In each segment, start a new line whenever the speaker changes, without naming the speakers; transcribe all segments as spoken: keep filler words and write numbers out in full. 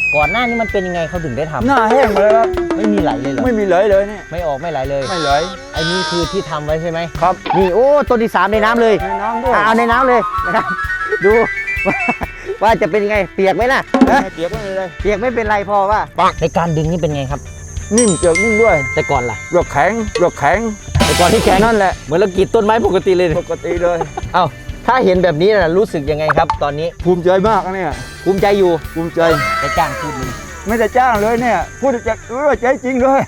ก่อนหน้านี้มันเป็นยังไงเขาถึงได้ทำ
หน้าแห้งหมดเลยครับ
ไม่มีไหลเลยเหรอ
ไม่มีไหลเลยเนี่ย
ไม่ออกไม่ไหลเลย
ไม่ไหล
ไอ้นี่คือที่ทำไว้ใช่ไหม
ครับ
นี่โอ้ต้นที่สามในน้ำเลย
ในน้ำด้วย
เอาในน้ำเลยนะครับดูว่าว่าจะเป็นยังไงเปียกไหมล่ะ
เปียกไม่เป็นไร
เปียกไม่เป็นไรพอว่าในการดึงนี่เป็นไงครับ
นิ่มเปียกนิ่มด้วย
แต่ก่อนล่ะ
เปลือกแข็งเปลือกแข็ง
แต่ก่อนที่แข็ง
นั่นแหละ
เหมือนเรากรีดต้นไม้ปกติเลย
ปกติเลย
เอ้าถ้าเห็นแบบนี้นะรู้สึกยังไงครับตอนนี้
ภูมิใจมากเนี่ย
ภูมิใจอยู่
ภูมิใจ
จะจ้างพูดนึง
ไม่ได้จ้างเลยเนี่ยพูดจะรู้ว่าใจจริงเลย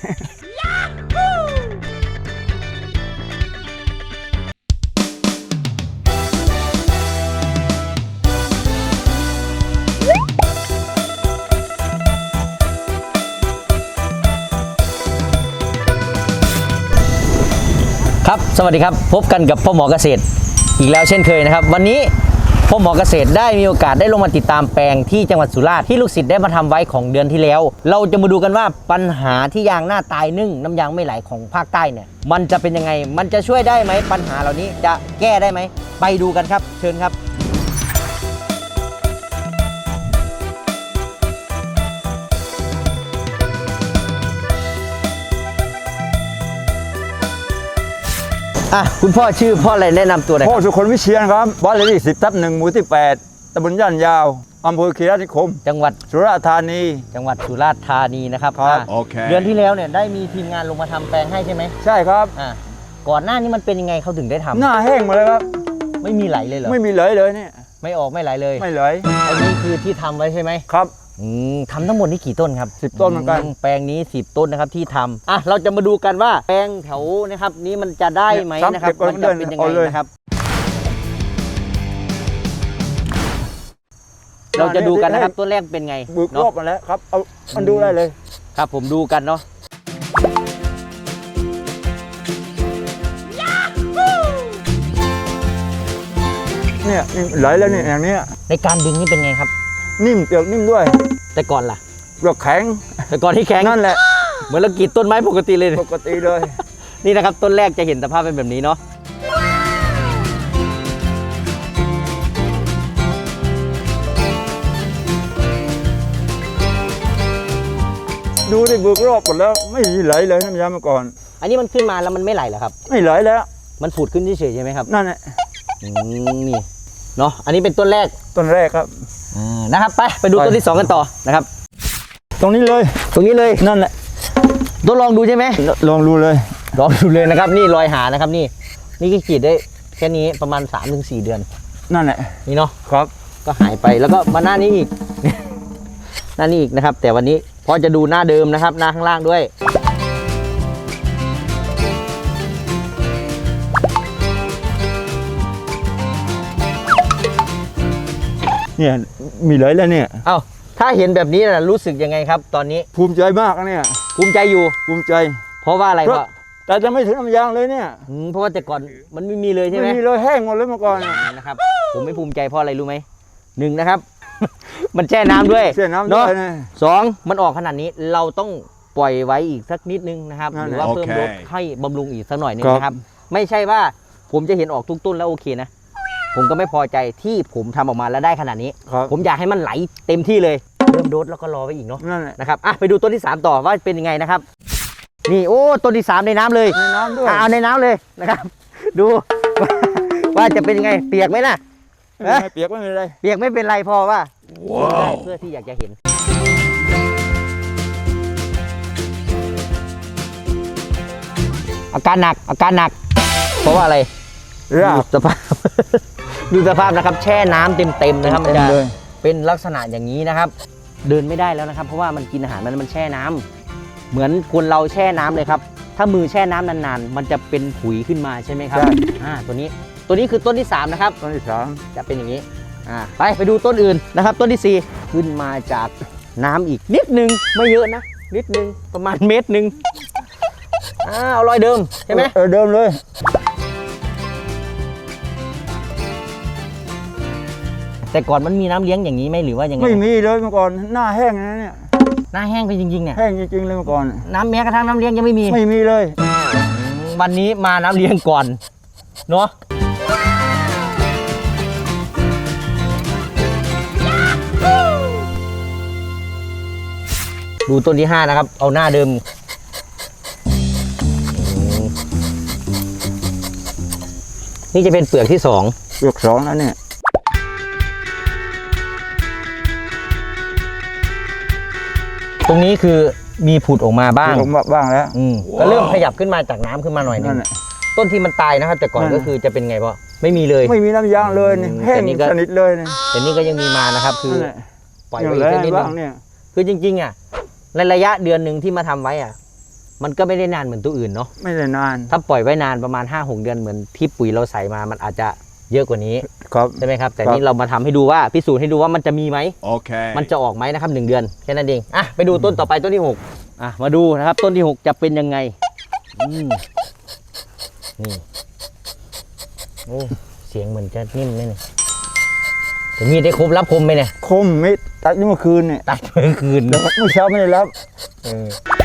ครับสวัสดีครับพบกันกับพ่อหมอเกษตรอีกแล้วเช่นเคยนะครับวันนี้พ่อหมอเกษตรได้มีโอกาสได้ลงมาติดตามแปลงที่จังหวัดสุราษฎร์ที่ลูกศิษย์ได้มาทำไว้ของเดือนที่แล้วเราจะมาดูกันว่าปัญหาที่ยางหน้าตายนึ่งน้ำยางไม่ไหลของภาคใต้เนี่ยมันจะเป็นยังไงมันจะช่วยได้ไหมปัญหาเหล่านี้จะแก้ได้ไหมไปดูกันครับเชิญครับอ่ะคุณพ่อชื่อพ่ออะไรแนะนำตัวหน่อย
พ่อสุคนวิเชียรครับบ้านเลขที่สิบทับหนึ่งหมู่ที่แปดตำบลย่านยาวอำเภอคีรีนิคม
จังหวัด
สุราษฎร์ธานี
จังหวัดสุราษฎร์ธานีนะครับ
ครับโอเค
เดือนที่แล้วเนี่ยได้มีทีมงานลงมาทำแปลงให้ใช่ไหม
ใช่ครับ
อ่ะก่อนหน้านี้มันเป็นยังไงเขาถึงได้ทำ
หน้าแห้งหมดเลยครับ
ไม่มีไหลเลยเหรอ
ไม่มีไหลเลยเนี่ย
ไม่ออกไม่ไหลเลย
ไม่ไหล
ไอ้นี่คือที่ทำไว้ใช่ไหม
ครับ
อืมทำทั้งหมดนี่กี่ต้นครับ
สิบต้นเหมือนกัน
แปลงนี้สิบต้นนะครับที่ทำอ่ะเราจะมาดูกันว่าแปลงแถวนะครับนี้มันจะได้ไหมนะครับมันจะเป็นยังไงนะครับเราจะดูกันนะครับต้นแรกเป็นไง
บุกรอบมาแล้วครับเอามันดูได้เลย
ครับผมดูกันเนาะ
เนี่ยไหลแล้วเนี่ยอย่างนี้
ในการดึงนี่เป็นไงครับ
นิ่มเปียกนิ่มด้วย
แต่ก่อนล่ะ
เปลือกแข็ง
แต่ก่อนที่แข็ง
นั่นแหละ
เหมือนเรากรีดต้นไม้ปกติเลย
ปกติเลย
นี่นะครับต้นแรกจะเห็นสภาพเป็นแบบนี้เนาะ
ดูดิบุกรอบหมดแล้วไม่มีไหลเลยน้ำยามาก่อน
อันนี้มันขึ้นมาแล้วมันไม่ไหลเหรอครับ
ไม่ไหลแล้ว
มันฝุดขึ้นเฉยๆใช่ไหมครับ
นั่นแหละ
นี่เนาะอันนี้เป็นต้นแรก
ต้นแรกครับ
นะครับไปไปดูต้นที่สองกันต่อนะครับ
ตรงนี้เลย
ตรงนี้เลย
นั่นแหละ
ทดลองดูใช่ไหม
ลองดูเลย
ลองดูเลยนะครับนี่รอยหานะครับนี่นี่ก็ขีดได้แค่นี้ประมาณ สามถึงสี่ เดือน
นั่นแหละ
นี่เนาะ
ครับ
ก็หายไปแล้วก็มาหน้านี้อีกหน้านี้อีกนะครับแต่วันนี้พอจะดูหน้าเดิมนะครับหน้าข้างล่างด้วย
เนี่ยมีไหลแล้วเนี่ย
เอ้าถ้าเห็นแบบนี้นะรู้สึกยังไงครับตอนนี้
ภูมิใจมากเนี่ย
ภูมิใจอยู่
ภูมิใจ
เพราะว่าอะไรวะ
แต่จะไม่ถึงน้ำยางเลยเนี่ย
เพราะว่าแต่ก่อนมันไม่มีเลยใช่ไหม
ไม่มีเลยแห้งหมดเลยเมื่อก่อน
นะครับผมไม่ภูมิใจเพราะอะไรรู้ไหมหนึ่งนะครับมันแช่น้ำด้วย
แช่น้ำด้วย
สองมันออกขนาดนี้เราต้องปล่อยไว้อีกสักนิดนึงนะครับหรือว่าเพิ่มรสให้บำรุงอีกสักหน่อยนึงนะครับไม่ใช่ว่าผมจะเห็นออกทุกต้นแล้วโอเคนะผมก็ไม่พอใจที่ผมทำออกมาแล้วได้ขนาดนี้ผมอยากให้มันไหลเต็มที่เลยเริ่มโดสแล้วก็รอไว้อีกเนาะนะครับอ่ะไปดูต้นที่สามต่อว่าเป็นยังไงนะครับนี่โอ้ต้นที่สามในน้ำเลย
ในน้ำด้วย
เอาในน้ำเลยนะครับดูว่าจะเป็นยังไงเปียกไหมล่ะ
เปียกไม่เป็นไร
เปียกไม่เป็นไรพอว่าเพื่อที่อยากจะเห็นอาการหนักอาการหนักเพราะว่าอะไรดูสภาพดูสภาพนะครับแช่น้ำเต็มๆนะครับมันจะเป็นลักษณะอย่างนี้นะครับเดินไม่ได้แล้วนะครับเพราะว่ามันกินอาหารมันมันแช่น้ำเหมือนคนเราแช่น้ำเลยครับถ้ามือแช่น้ำนานๆมันจะเป็นผุยขึ้นมาใช่ไหมครับอ่าตัวนี้ตัวนี้คือต้นที่สามนะครับ
ต้นที่สาม
จะเป็นอย่างนี้อ่าไปไปดูต้นอื่นนะครับต้นที่สี่ขึ้นมาจากน้ำอีกนิดนึงไม่เยอะนะนิดนึงประมาณเมตรหนึ่งอ่าเอารอยเดิมใช่ไหม
เออเดิมเลย
แต่ก่อนมันมีน้ำเลี้ยงอย่างนี้ไหมหรือว่ายังไง
ไม่มีเลยเมื่อก่อนหน้าแห้งนะเนี่ย
หน้าแห้งไปจริงๆเนี่ย
แห้งจริงๆเลยเมื่อก่อน
น้ำแม้กระทั่งน้ำเลี้ยงยังไม่มี
ไม่มีเลย
วันนี้มาน้ำเลี้ยงก่อนเนาะดูต้นที่ห้านะครับ เอาหน้าเดิมนี่จะเป็นเปลือกที่สอง
เปลือกสองแล้วเนี่ย
ตรงนี้คือมีผุดออกมาบ้าง
ผมบ้างแล้ว
อืมก็เริ่มขยับขึ้นมาจากน้ำขึ้นมาหน่อยนึ
นั่
ง
นแหละ
ต้นที่มันตายนะครับ แต่ก่อน
นั่น
ก็คือจะเป็นไงพ่อไม่มีเลย
ไม่มีน้ำยางเลยนี่
อืม
แห้ง
แต่นี่ก็
สนิทเลยนี่
แต่นี่ก็ยังมีมานะครับ คือ
นั่นแหละ
ปล่อย
อย่าง
ไว้อี
ไร
กสักนิดนึ
บ้าง
ง
เนี่ย
คือจริงๆอ่ะในระยะเดือนหนึ่งที่มาทำไว้อ่ะ มันก็ไม่ได้นานเหมือนตัวอื่นเนาะ
ไม่ได้นาน
ถ้าปล่อยไว้นานประมาณ ห้าหก เดือนเหมือนที่ปุ๋ยเราใส่มามันอาจจะเยอะกว่านี้
ครับ
ใช่ไหมครับแต่
ครับ
นี่เรามาทำให้ดูว่าพิสูจน์ให้ดูว่ามันจะมีไหม
Okay.
มันจะออกไหมนะครับหนึ่งเดือนแค่นั้นเองอ่ะไปดูต้นต่อไปต้นที่หกอ่ะมาดูนะครับ ต้นที่หกจะเป็นยังไงอืมนี่โอ้เสียงเหมือนจะนิ่มไหมเนี่ยถึงมีดได้ครบรับคมไหมเนี่ย
คมมิดตัดเมื่อคืนเนี่ย
ตัดเมื่อคืน
แล้วเมื่อเช้าไม่ได้รับ
เออ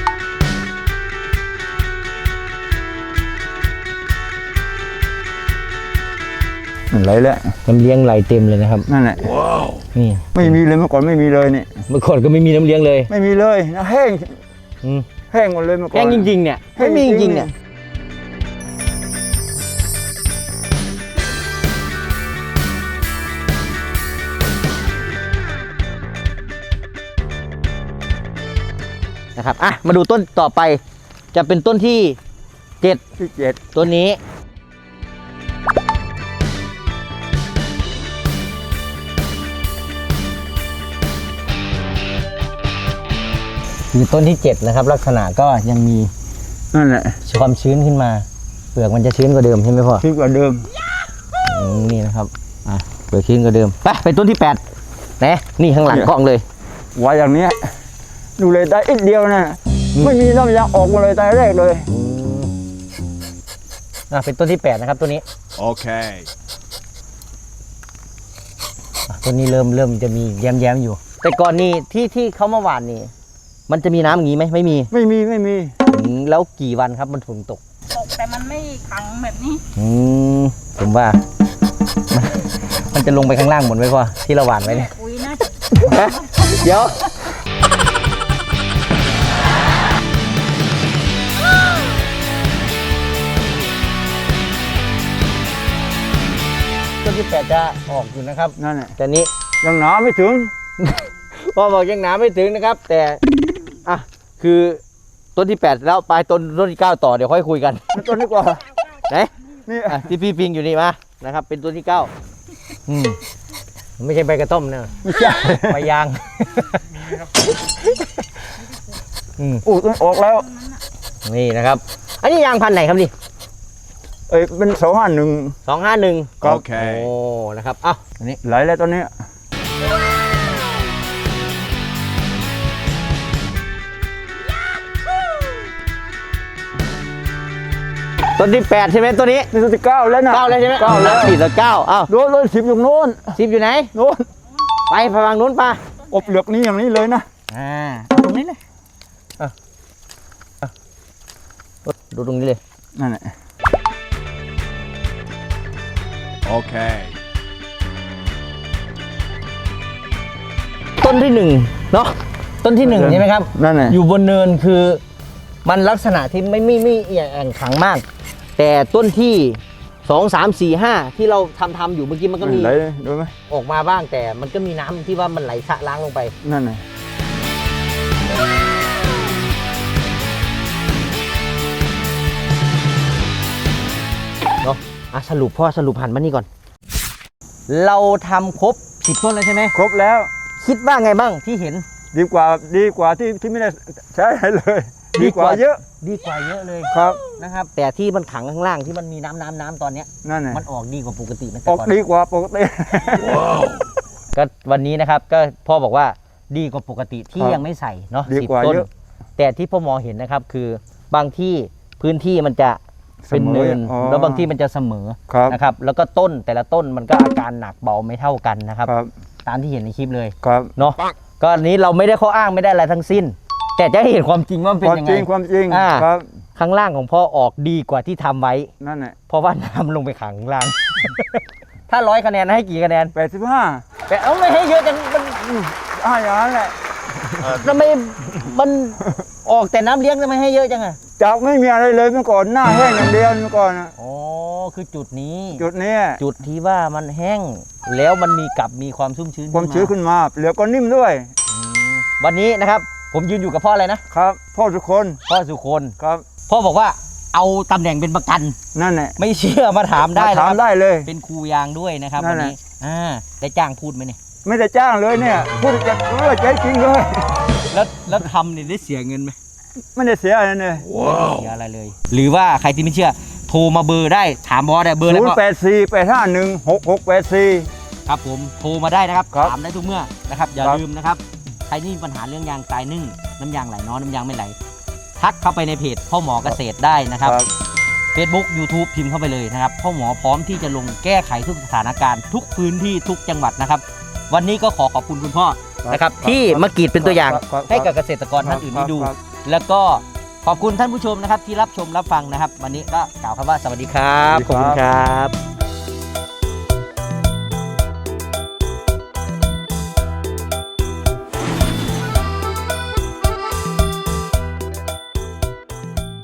อะไรแหละ
น้ำเลี้ยงไหลเต็มเลยนะครับ
นั่นแหละ
นี่
ไม่มีเลยเมื่อก่อนไม่มีเลยเนี่ย
เมื่อก่อนก็ไม่มีน้ำเลี้ยงเลย
ไม่มีเลยนะแห้ง
อืม
แห้งหมดเลยเมื่อก่อน
แห้งจริงๆเนี่ย
แห้
ไม่
ง
มี
จ
จ
ริ
ริ
ง
ง
ๆ
ๆเนี่ยนะครับอ่ะมาดูต้นต่อไป จะเป็นต้นที่เจ็ด
ที่เจ็ด
ต้นนี้คือต้นที่เจ็ดนะครับ ลักษณะก็ยังมี
นั่นแหละ
ความชื้นขึ้นมา เปลือกมันจะชื้นกว่าเดิมใช่ไหมพ่อ
ที่กว่าเดิม
อืมนี่นะครับอ่ะเปลือกชื้นกว่าเดิมไปไปต้นที่แปดนะนี่ข้างหลังกล้องเลย
ไว้อย่างเนี้ยดูเลยได้อีกเดียวนะ
อืม
ไม่มีน้ำยางออกมาเลยแต่แรกเลย
อืมอ่ะเป็นต้นที่แปดนะครับต้นนี้
Okay.
อ่ะต้นนี้เริ่มเริ่มจะมีแย้มๆอยู่ แต่ก่อนนี่ที่ที่เขามาหว่านนี่ มันจะมีน้ำอย่างนี้ไหมไม่มี
ไม่มีไม่มี
อืมแล้วกี่วันครับมันถึงตก
ตกแต่มันไม่ขังแบบนี้
อืมผมว่า มันจะลงไปข้างล่างหมดไหมพ่อที่เราหว่านไว้เนี่ย
ปุ๋ยนะ
เดี๋ยวต้นที่แปดจะออกอยู่นะครับ
นั่นแหละ
แต่นี้
ยังหนาไม่ถึง
พ่อบอกยังหนาไม่ถึงนะครับ แต่อ่ะคือต้นที่แปดแล้วไปต้นต้นที่เก้าต่อเดี๋ยวค่อยคุยกัน
ต้นนี้กว่า
ไหน
นี่
อ่ะที่พี่ปิงอยู่นี่มานะครับ เป็นต้นที่เก้าอืมไม่ใช่ใบกระต้มเนอะ
ไม่ใช่
ใบยางอืม
อู้ต้องออกแล้ว
นี่นะครับ อันนี้ยางพันธุ์ไหนครับนี่
เอ้ยเป็นสองห้าหนึ่ง
สองห้าหนึ่ง
ครับ
โอ้
Okay.
นะครับอ้าวอันนี้
ไหลแล้วตอนนี้
ต้นที่แปดใช่ไหมตัวนี้
นี่ต้นที่เก้าแล้วนะ
เก้าแล้วใช่ไหม
เก้าแล้ว
สี่ต่อเก้าอ้าว
โดนโดนสิบอยู่โน้น
สิบอยู่ไหน
โน้น
ไปไปฝั่งนู้นป่ะ
อบเหลือกนี้อย่างนี้เลยนะ
อ่าตรงนี้เลยอ่ะอ่ะดูตรงนี้เลย
นั่นแหละ
Okay.
ต้นที่หนึ่งเนาะต้นที่หนึ่งใช่ไหมครับ
นั่นแหละ
อยู่บนเนินคือมันลักษณะที่ไม่ไม่ไม่แอ่งขังมาก แต่ต้นที่สองสามสี่ห้าที่เราทำทำอยู่เมื่อกี้มันก็มี
ไหลเลยดูไหม
ออกมาบ้างแต่มันก็มีน้ำที่ว่ามันไหลสะล้างลงไป
นั่นแหละ
เนาะอ่ะสรุปพ่อสรุปหันมานี่ก่อน เราทำครบสิบต้นแล้วใช่ไหม
ครบแล้ว
คิดว่าไงบ้างที่เห็น
ดีกว่าดีกว่าที่ที่ไม่ได้ใช้อะไรเลย
ดี
ดี
ก
ก
ว่า
ว่าเยอะ
ดีกว่าเยอะเลย
ครับ
นะครับ แต่ที่มันขังข้างล่างที่มันมีน้ำน้ำน้ำตอนเนี้ย
นั่นแหละ
มันออกดีกว่าปกติไหม
อ
แต่
อก
ก่อน
ดีกว่าปกติ
ก็วันนี้นะครับก็พ่อบอกว่าดีกว่าปกติที่
ครับ
ยังไม่ใส่เนาะ
ดี
สิบ
กว่า
ต้น
เยอะ
แต่ที่พ่อมองเห็นนะครับคือบางที่พื้นที่มันจะเป็นเนิน
อ๋อ
แล้วบางที่มันจะเสมอ
ครับ
นะครับ แล้วก็ต้นแต่ละต้นมันก็อาการหนักเบาไม่เท่ากันนะครับ
ครับ
ตามที่เห็นในคลิปเลย
ครับ
เนาะก็อันนี้เราไม่ได้ข้ออ้างไม่ได้อะไรทั้งสิ้น แต่จะให้เห็นความจริงว่ามัน
ค
เป็น
วาม
ยัง
จ
ไง
ริงความจริง
อ่า
ครับ
ข้างล่างของพ่อออกดีกว่าที่ทำไว้
นั่นแหละ
เพราะว่าน้ำลงไปขังข้างล่าง ถ้าร้อยคะแนนให้กี่คะแนน
แปดสิบห้า
แต่เอาไม่ให้เยอะจังมัน
อ่าอย่างนั้นแหละ
ทำไมมันออกแต่น้ำเลี้ยงทำไมให้เยอะจังอะ
จากไม่มีอะไรเลยเมื่อก่อนหน้าแห้งอย่างเดียวเมื่อก่อนน่ะ
อ๋อคือจุดนี้
จุดเนี้ย
จุดที่ว่ามันแห้ง แล้วมันมีกลับมีความชุ่มชื้น
ความชื้นขึ้นมาเหลือก็นิ่มด้วย
อืมวันนี้นะครับ ผมยืนอยู่กับพ่ออะไรนะครับ
พ่อทุกคน
พ่อสุคน
ครับ
พ่อบอกว่าเอาตำแหน่งเป็นประกัน
นั่นแหละ
ไม่เชื่อมาถามได้
มา
นะ
ถา
ค
ม
รับ
ได้เลย
เป็นครูยางด้วยนะครับ
นั่
วัน
นแหละ
นี้อ่าได้จ้างพูดไหมเนี่ย
ไม่ได้จ้างเลยเนี่ยพูดจะเลือดใจจริงเลย
แล้วแล้วทำเนี่ยได้เสียเงินไหม
ไม่ได้เสียอะไรเลย
ไม่ได้เสียอะไรเลย หรือว่าใครที่ไม่เชื่อโทรมาเบอร์ได้ถามบอสได้เบอร์อะไร
ศูน
พ่
ย์
อ
แปดสี่แปดห้าหนึ่งหกหกแปดสี่
ครับผมโทรมาได้นะครับ
ครับ
ถามได้ทุกเมื่อนะครับอย่า
ครับ
ลืมนะครับใครที่มีปัญหาเรื่องยางตายนึ่งน้ำยางไหลน้อยน้ำยางไม่ไหล ทักเข้าไปในเพจพ่อหมอเกษตรได้นะครับ Facebook YouTube พิมพ์เข้าไปเลยนะครับพ่อหมอพร้อมที่จะลงแก้ไขทุกสถานการณ์ทุกพื้นที่ทุกจังหวัดนะครับ วันนี้ก็ขอขอบคุณคุณพ่อนะครับที่มากรีดเป็นตัวอย่าง
ครับ
ให้กับเกษตรกรท่านอื่นได้ดู
ครับ
แล้วก็ขอบคุณท่านผู้ชมนะครับที่รับชมรับฟังนะครับ วันนี้ก็กล่าวคำว่าสวัสดีครับ
สวัสดีครับ
ขอบคุณครับ